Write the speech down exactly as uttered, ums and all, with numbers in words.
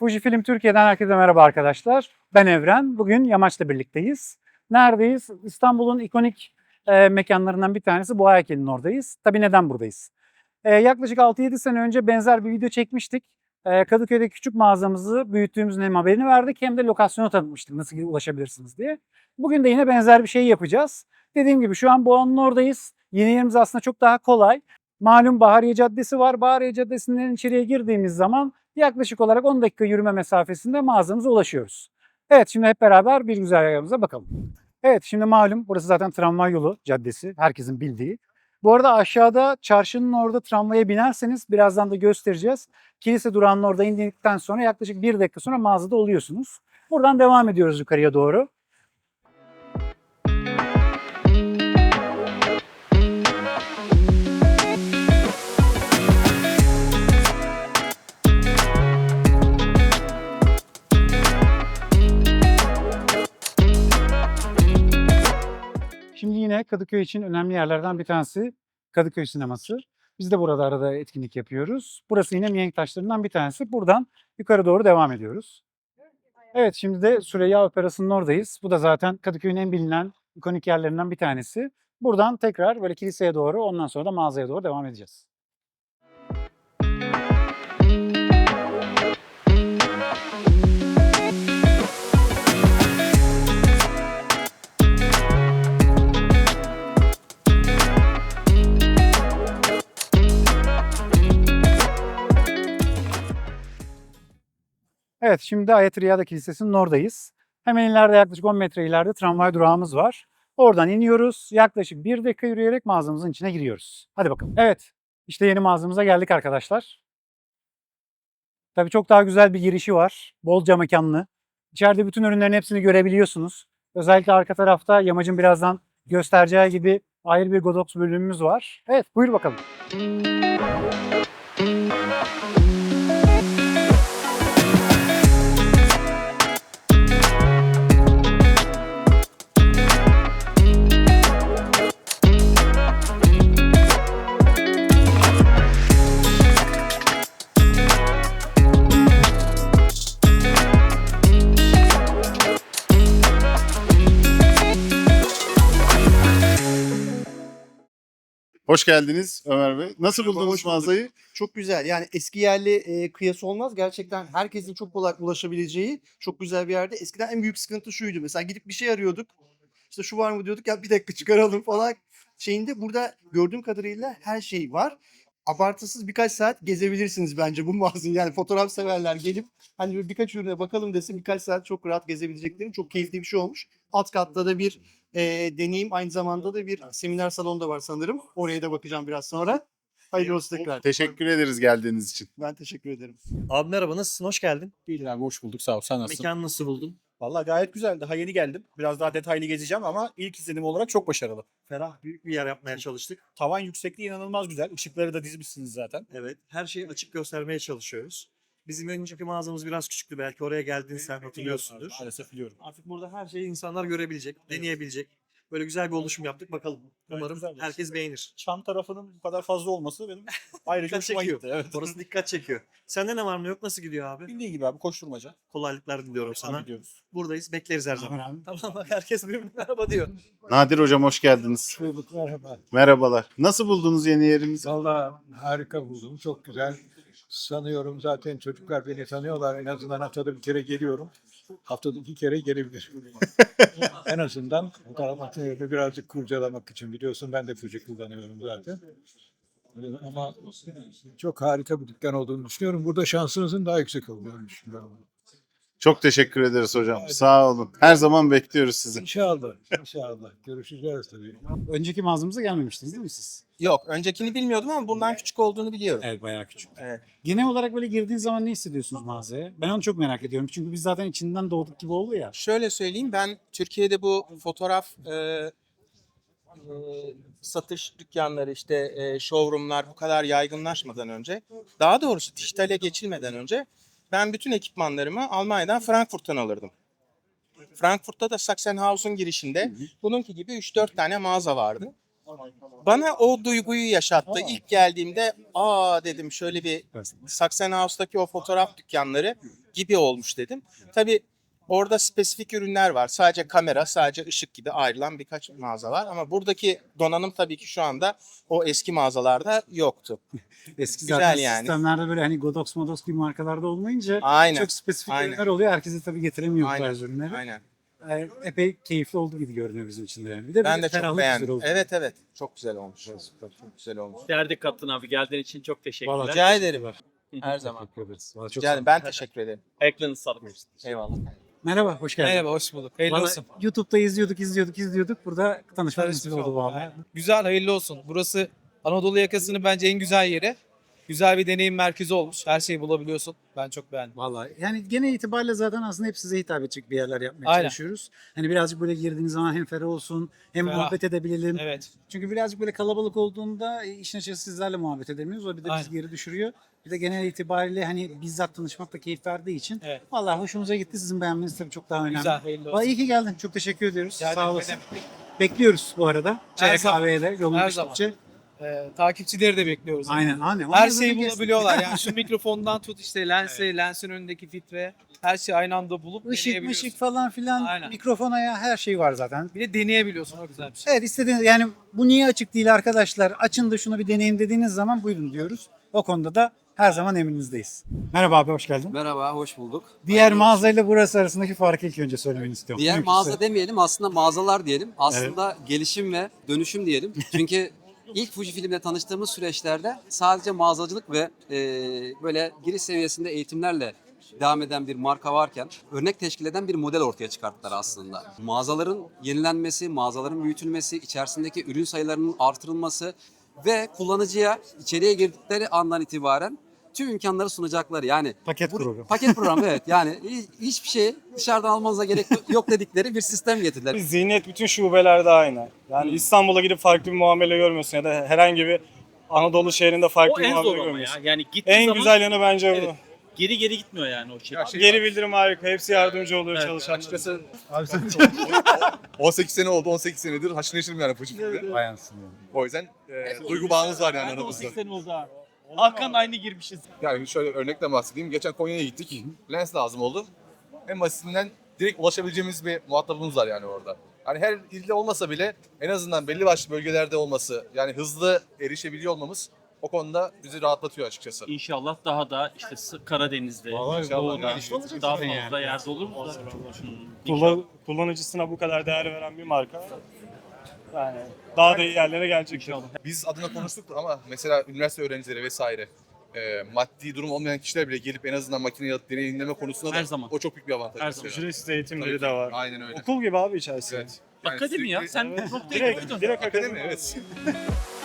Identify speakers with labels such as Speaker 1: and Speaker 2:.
Speaker 1: Fujifilm Türkiye'den herkese merhaba arkadaşlar. Ben Evren. Bugün Yamaç'la birlikteyiz. Neredeyiz? İstanbul'un ikonik e, mekanlarından bir tanesi Boğa Heykeli'nin oradayız. Tabii neden buradayız? E, yaklaşık altı yedi sene önce benzer bir video çekmiştik. E, Kadıköy'de küçük mağazamızı büyüttüğümüzün hem haberini verdik hem de lokasyonu tanıtmıştık nasıl ulaşabilirsiniz diye. Bugün de yine benzer bir şey yapacağız. Dediğim gibi şu an Boğa'nın oradayız. Yeni yerimiz aslında çok daha kolay. Malum Bahariye Caddesi var. Bahariye Caddesi'nden içeriye girdiğimiz zaman yaklaşık olarak on dakika yürüme mesafesinde mağazamıza ulaşıyoruz. Evet, şimdi hep beraber bir güzergahımıza bakalım. Evet, şimdi malum burası zaten tramvay yolu caddesi, herkesin bildiği. Bu arada aşağıda çarşının orada tramvaya binerseniz birazdan da göstereceğiz. Kilise durağının orada indikten sonra yaklaşık bir dakika sonra mağazada oluyorsunuz. Buradan devam ediyoruz yukarıya doğru. Şimdi yine Kadıköy için önemli yerlerden bir tanesi Kadıköy Sineması. Biz de burada arada etkinlik yapıyoruz. Burası yine mihenk taşlarından bir tanesi. Buradan yukarı doğru devam ediyoruz. Evet, şimdi de Süreyya Operası'nın oradayız. Bu da zaten Kadıköy'ün en bilinen ikonik yerlerinden bir tanesi. Buradan tekrar böyle kiliseye doğru, ondan sonra da mağazaya doğru devam edeceğiz. Evet, şimdi Ayet Riyada Kilisesi'nin oradayız. Hemen ileride yaklaşık on metre ileride tramvay durağımız var. Oradan iniyoruz. Yaklaşık bir dakika yürüyerek mağazamızın içine giriyoruz. Hadi bakalım. Evet, işte yeni mağazamıza geldik arkadaşlar. Tabii çok daha güzel bir girişi var. Bolca mekanlı. İçeride bütün ürünlerin hepsini görebiliyorsunuz. Özellikle arka tarafta Yamacın birazdan göstereceği gibi ayrı bir Godox bölümümüz var. Evet, buyur bakalım.
Speaker 2: Hoş geldiniz Ömer Bey. Nasıl buldunuz mağazayı?
Speaker 3: Çok güzel. Yani eski yerli e, kıyası olmaz. Gerçekten herkesin çok kolay ulaşabileceği çok güzel bir yerde. Eskiden en büyük sıkıntı şuydu. Mesela gidip bir şey arıyorduk. İşte şu var mı diyorduk, ya bir dakika çıkaralım falan şeyinde. Burada gördüğüm kadarıyla her şey var. Abartısız birkaç saat gezebilirsiniz bence bu mağazayı. Yani fotoğraf severler gelip hani birkaç ürüne bakalım desin, birkaç saat çok rahat gezebilecekleri çok keyifli bir şey olmuş. Alt katta da bir e, deneyim, aynı zamanda da bir seminer salonu da var sanırım. Oraya da bakacağım biraz sonra. Hayırlı olsun tekrar.
Speaker 2: Teşekkür ederiz geldiğiniz için.
Speaker 3: Ben teşekkür ederim.
Speaker 4: Abi merhaba, nasılsın? Hoş geldin.
Speaker 5: İyidir abi, hoş bulduk, sağ ol. Sen nasılsın?
Speaker 4: Mekanı nasıl buldun?
Speaker 5: Vallahi gayet güzel. Daha yeni geldim. Biraz daha detaylı gezeceğim ama ilk izlenim olarak çok başarılı.
Speaker 4: Ferah, büyük bir yer yapmaya çalıştık.
Speaker 5: Tavan yüksekliği inanılmaz güzel. Işıkları da dizmişsiniz zaten.
Speaker 4: Evet, her şeyi açık göstermeye çalışıyoruz. Bizim önceki mağazamız biraz küçüktü. Belki oraya geldiğini sen hatırlıyorsundur.
Speaker 5: Maalesef biliyorum.
Speaker 4: Artık burada her şeyi insanlar görebilecek, deneyebilecek. Böyle güzel bir oluşum yaptık. Bakalım.
Speaker 5: Evet,
Speaker 4: Umarım
Speaker 5: güzel.
Speaker 4: herkes beğenir.
Speaker 5: Çan tarafının bu kadar fazla olması benim ayrıca
Speaker 4: Dikkat
Speaker 5: hoşuma
Speaker 4: çekiyor.
Speaker 5: gitti. Evet.
Speaker 4: Orası dikkat çekiyor. Sende ne var ne yok? Nasıl gidiyor abi?
Speaker 5: Bildiğin gibi abi, koşturmaca.
Speaker 4: Kolaylıklar diliyorum sana.
Speaker 5: Sana gidiyoruz.
Speaker 4: Buradayız. Bekleriz her zaman.
Speaker 1: Abi.
Speaker 4: Tamam bak, herkes birbirine merhaba diyor.
Speaker 2: Nadir Hocam hoş geldiniz.
Speaker 6: Bulduk, merhaba.
Speaker 2: Merhabalar. Nasıl buldunuz yeni yerimizi?
Speaker 6: Valla harika buldum, çok güzel. Sanıyorum zaten çocuklar beni tanıyorlar. En azından haftada bir kere geliyorum. Haftada iki kere gelebilirim. En azından fotoğrafı birazcık kurcalamak için. Biliyorsun ben de Fuji kullanıyorum zaten. Ama çok harika bir dükkan olduğunu düşünüyorum. Burada şansınızın daha yüksek olduğunu düşünüyorum.
Speaker 2: Çok teşekkür ederiz hocam. Sağ olun. Her zaman bekliyoruz sizi.
Speaker 6: İnşallah, inşallah. Görüşeceğiz tabii.
Speaker 1: Önceki mağazamıza gelmemiştiniz değil mi siz?
Speaker 7: Yok, öncekini bilmiyordum ama bundan küçük olduğunu biliyorum.
Speaker 1: Evet, bayağı küçük.
Speaker 7: Evet.
Speaker 1: Genel olarak böyle girdiğiniz zaman ne hissediyorsunuz mağazaya? Ben onu çok merak ediyorum. Çünkü biz zaten içinden doğduk gibi oldu ya.
Speaker 7: Şöyle söyleyeyim, ben Türkiye'de bu fotoğraf e, e, satış dükkanları, işte e, showroomlar bu kadar yaygınlaşmadan önce, daha doğrusu dijitale geçilmeden önce ben bütün ekipmanlarımı Almanya'dan, Frankfurt'tan alırdım. Frankfurt'ta da Sachsenhausen girişinde bununki gibi üç dört tane mağaza vardı. bana o duyguyu yaşattı. İlk geldiğimde aa dedim şöyle bir Sachsenhaus'taki o fotoğraf dükkanları gibi olmuş dedim. Tabii orada spesifik ürünler var. Sadece kamera, sadece ışık gibi ayrılan birkaç mağaza var. Ama buradaki donanım tabii ki şu anda o eski mağazalarda yoktu.
Speaker 1: Eski
Speaker 7: Güzel
Speaker 1: zaten
Speaker 7: yani.
Speaker 1: sistemlerde böyle hani Godox Modox gibi markalarda olmayınca
Speaker 7: Aynen.
Speaker 1: çok spesifik
Speaker 7: Aynen.
Speaker 1: ürünler oluyor. Herkese tabii getiremiyor bu
Speaker 7: Aynen.
Speaker 1: tarz ürünleri.
Speaker 7: Aynen.
Speaker 1: Ee, epey keyifli oldu gibi görünüyor bizim için de. Yani. Bir de
Speaker 7: Ben
Speaker 1: bir
Speaker 7: de çok
Speaker 1: ferahlık güzel
Speaker 7: beğendim.
Speaker 1: oldu.
Speaker 7: Evet evet. Çok güzel olmuş. Çok güzel olmuş.
Speaker 8: Değerli kattın abi. Geldiğin için çok teşekkürler.
Speaker 1: Vallahi
Speaker 7: Rica ederim. Her zaman.
Speaker 1: Teşekkür ederiz. Vallahi çok
Speaker 7: Rica
Speaker 1: sağ
Speaker 7: ederim. Ben teşekkür ederim.
Speaker 8: Ayaklarınız sağlık.
Speaker 7: Eyvallah.
Speaker 1: Merhaba, hoş geldin.
Speaker 9: Merhaba, hoş bulduk. Hayırlı
Speaker 1: Vallahi
Speaker 9: olsun.
Speaker 1: YouTube'da izliyorduk, izliyorduk, izliyorduk. Burada tanışma
Speaker 9: Tanışmış
Speaker 1: nasip oldu
Speaker 9: olduk.
Speaker 1: vallahi.
Speaker 9: Güzel, hayırlı olsun. Burası Anadolu yakasının bence en güzel yeri. Güzel bir deneyim merkezi olmuş. Her şeyi bulabiliyorsun. Ben çok beğendim.
Speaker 1: Vallahi yani genel itibariyle zaten aslında hep size hitap edecek bir yerler yapmaya
Speaker 9: Aynen.
Speaker 1: çalışıyoruz. Hani birazcık böyle girdiğiniz zaman hem ferah olsun, hem
Speaker 9: Ferah.
Speaker 1: muhabbet edebilelim.
Speaker 9: Evet.
Speaker 1: Çünkü birazcık böyle kalabalık olduğunda e, işin açıkçası sizlerle muhabbet edemiyoruz. O bir de bizi
Speaker 9: Aynen.
Speaker 1: geri düşürüyor. Bir de genel itibariyle hani bizzat tanışmak da keyif verdiği için.
Speaker 9: Evet.
Speaker 1: Vallahi hoşumuza gitti. Sizin beğenmeniz tabii çok daha önemli.
Speaker 9: Güzel, hayırlı olsun.
Speaker 1: Vallahi iyi ki geldin. Çok teşekkür ediyoruz.
Speaker 9: Rica
Speaker 1: Sağ
Speaker 9: ederim.
Speaker 1: olasın. Bekliyoruz bu arada. Çay
Speaker 9: zaman.
Speaker 1: kahveye de yolun
Speaker 9: Her
Speaker 1: düştükçe.
Speaker 9: Ee, takipçileri de bekliyoruz.
Speaker 1: Aynen. Aynen.
Speaker 9: Her
Speaker 1: Onları
Speaker 9: şeyi
Speaker 1: da kes-
Speaker 9: bulabiliyorlar. Yani şu mikrofondan tut işte lense, lensin önündeki filtre. Her şeyi aynı anda bulup
Speaker 1: Işık
Speaker 9: deneyebiliyorsun.
Speaker 1: mışık falan filan,
Speaker 9: Aynen.
Speaker 1: mikrofona ya her şey var zaten.
Speaker 9: Bir de deneyebiliyorsun. O güzel bir şey.
Speaker 1: Evet istediğiniz yani bu niye açık değil arkadaşlar açın da şunu bir deneyin dediğiniz zaman buyurun diyoruz. O konuda da her zaman emrinizdeyiz. Merhaba abi hoş geldin.
Speaker 10: Merhaba, hoş bulduk.
Speaker 1: Diğer mağazayla burası arasındaki farkı ilk önce söylemeni istiyorum.
Speaker 10: Diğer
Speaker 1: Mümkünse.
Speaker 10: mağaza demeyelim, aslında mağazalar diyelim. Aslında gelişim ve dönüşüm diyelim. Çünkü ilk Fujifilm'le tanıştığımız süreçlerde sadece mağazacılık ve e, böyle giriş seviyesinde eğitimlerle devam eden bir marka varken örnek teşkil eden bir model ortaya çıkarttılar aslında. Mağazaların yenilenmesi, mağazaların büyütülmesi, içerisindeki ürün sayılarının artırılması ve kullanıcıya içeriye girdikleri andan itibaren tüm imkanları sunacakları yani
Speaker 1: Paket
Speaker 10: bu-
Speaker 1: programı.
Speaker 10: Paket programı evet yani hi- hiçbir şey dışarıdan almanıza gerek yok dedikleri bir sistem getirdiler.
Speaker 5: Zihniyet bütün şubelerde aynı. Yani İstanbul'a gidip farklı bir muamele görmüyorsun ya da herhangi bir Anadolu şehrinde farklı
Speaker 8: O
Speaker 5: bir
Speaker 8: en
Speaker 5: muamele
Speaker 8: zor ama ya.
Speaker 5: görmüyorsun.
Speaker 8: Yani gittiği
Speaker 5: En
Speaker 8: zaman
Speaker 5: güzel yanı bence
Speaker 8: Evet.
Speaker 5: bu.
Speaker 8: geri geri gitmiyor yani o şey.
Speaker 5: Geri bildirim harika. Hepsi yardımcı oluyor
Speaker 8: Evet,
Speaker 5: çalışanlara.
Speaker 11: Açıkçası on sekiz sene oldu, on sekiz senedir haşır neşirim yani Fujifilm'de.
Speaker 1: Bayansın.
Speaker 11: O yüzden e, duygu bağımız var yani
Speaker 8: Ben de on
Speaker 11: aramızda.
Speaker 8: sekiz sene oldu abi. Hakan aynı girmişiz.
Speaker 11: Yani şöyle örnekle bahsedeyim. Geçen Konya'ya gittik. Lens lazım oldu. En basitinden direkt ulaşabileceğimiz bir muhatabımız var yani orada. Hani her ilde olmasa bile en azından belli başlı bölgelerde olması, yani hızlı erişebiliyor olmamız o konuda bizi rahatlatıyor açıkçası.
Speaker 8: İnşallah daha da işte S- Karadeniz'de,
Speaker 11: İnşallah
Speaker 8: Doğu'da
Speaker 11: gelişme olacak
Speaker 8: daha
Speaker 11: zaten
Speaker 8: fazla
Speaker 11: yani.
Speaker 8: yerde olur mu da? Hmm,
Speaker 5: Kullan- kullanıcısına bu kadar değer veren bir marka. Yani daha da iyi yerlere gelecek.
Speaker 8: İnşallah.
Speaker 11: Biz adına konuştuk ama mesela üniversite öğrencileri vesaire e, maddi durum olmayan kişiler bile gelip en azından makineyi alıp deneyimleme konusunda da
Speaker 8: Her zaman.
Speaker 11: o çok büyük bir avantaj.
Speaker 8: Her
Speaker 11: mesela.
Speaker 8: zaman.
Speaker 5: Ücretsiz eğitimleri
Speaker 11: Tabii
Speaker 5: de
Speaker 11: ki.
Speaker 5: var.
Speaker 11: Aynen öyle.
Speaker 5: Okul gibi abi içerisinde.
Speaker 11: Evet. Yani
Speaker 8: Akademi ya.
Speaker 11: sürekli-
Speaker 8: Sen
Speaker 5: Evet.
Speaker 8: noktaya
Speaker 5: Direkt,
Speaker 8: koydun.
Speaker 5: direkt
Speaker 11: Akademi
Speaker 5: akademi.
Speaker 11: evet.